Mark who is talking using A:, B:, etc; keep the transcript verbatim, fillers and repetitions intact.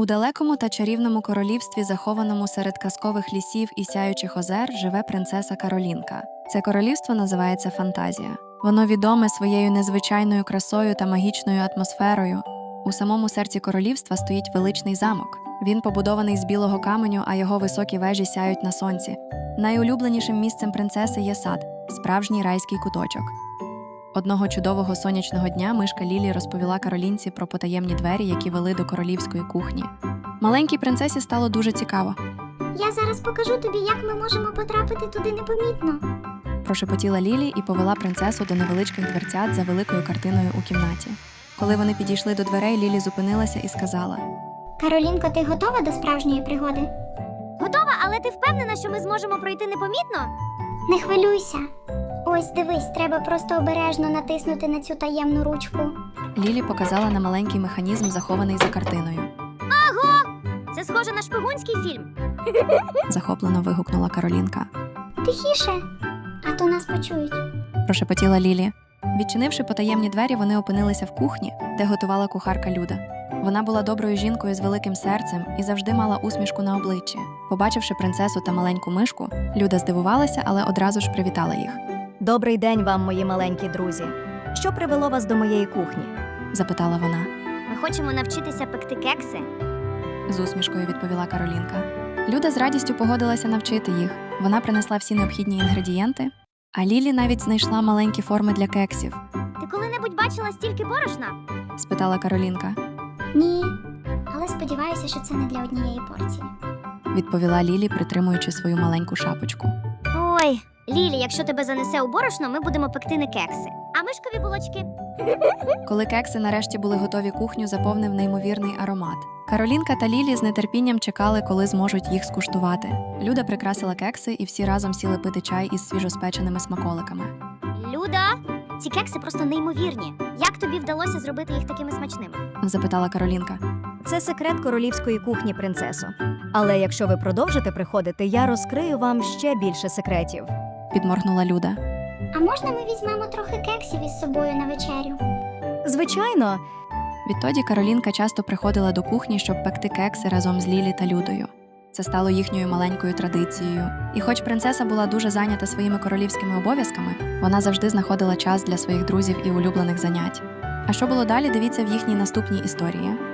A: У далекому та чарівному королівстві, захованому серед казкових лісів і сяючих озер, живе принцеса Каролінка. Це королівство називається Фантазія. Воно відоме своєю незвичайною красою та магічною атмосферою. У самому серці королівства стоїть величний замок. Він побудований з білого каменю, а його високі вежі сяють на сонці. Найулюбленішим місцем принцеси є сад – справжній райський куточок. Одного чудового сонячного дня мишка Лілі розповіла Каролінці про потаємні двері, які вели до королівської кухні. Маленькій принцесі стало дуже цікаво.
B: Я зараз покажу тобі, як ми можемо потрапити туди непомітно.
A: Прошепотіла Лілі і повела принцесу до невеличких дверцят за великою картиною у кімнаті. Коли вони підійшли до дверей, Лілі зупинилася і сказала:
B: Каролінко, ти готова до справжньої пригоди?
C: Готова, але ти впевнена, що ми зможемо пройти непомітно?
B: Не хвилюйся. Ось дивись, треба просто обережно натиснути на цю таємну ручку.
A: Лілі показала на маленький механізм, захований за картиною.
C: Аго! Це схоже на шпигунський фільм.
A: Захоплено вигукнула Каролінка.
B: Тихіше, а то нас почують.
A: Прошепотіла Лілі. Відчинивши потаємні двері, вони опинилися в кухні, де готувала кухарка Люда. Вона була доброю жінкою з великим серцем і завжди мала усмішку на обличчі. Побачивши принцесу та маленьку мишку, Люда здивувалася, але одразу ж привітала їх.
D: Добрий день вам, мої маленькі друзі. Що привело вас до моєї кухні?
A: Запитала вона.
C: Ми хочемо навчитися пекти кекси.
A: З усмішкою відповіла Каролінка. Люда з радістю погодилася навчити їх. Вона принесла всі необхідні інгредієнти, а Лілі навіть знайшла маленькі форми для кексів.
C: Ти коли-небудь бачила стільки борошна?
A: Спитала Каролінка.
B: Ні, але сподіваюся, що це не для однієї порції.
A: Відповіла Лілі, притримуючи свою маленьку шапочку.
C: Ой, Лілі, якщо тебе занесе у борошно, ми будемо пекти не кекси, а мишкові булочки.
A: Коли кекси нарешті були готові, кухню заповнив неймовірний аромат. Каролінка та Лілі з нетерпінням чекали, коли зможуть їх скуштувати. Люда прикрасила кекси, і всі разом сіли пити чай із свіжоспеченими смаколиками.
C: Люда, ці кекси просто неймовірні. Як тобі вдалося зробити їх такими смачними?
A: Запитала Каролінка.
D: Це секрет королівської кухні, принцесо. Але якщо ви продовжите приходити, я розкрию вам ще більше секретів.
A: Підморгнула Люда.
B: А можна ми візьмемо трохи кексів із собою на вечерю?
D: Звичайно,
A: Відтоді Каролінка часто приходила до кухні, щоб пекти кекси разом з Лілі та Людою. Це стало їхньою маленькою традицією. І хоч принцеса була дуже зайнята своїми королівськими обов'язками, вона завжди знаходила час для своїх друзів і улюблених занять. А що було далі, дивіться в їхній наступній історії.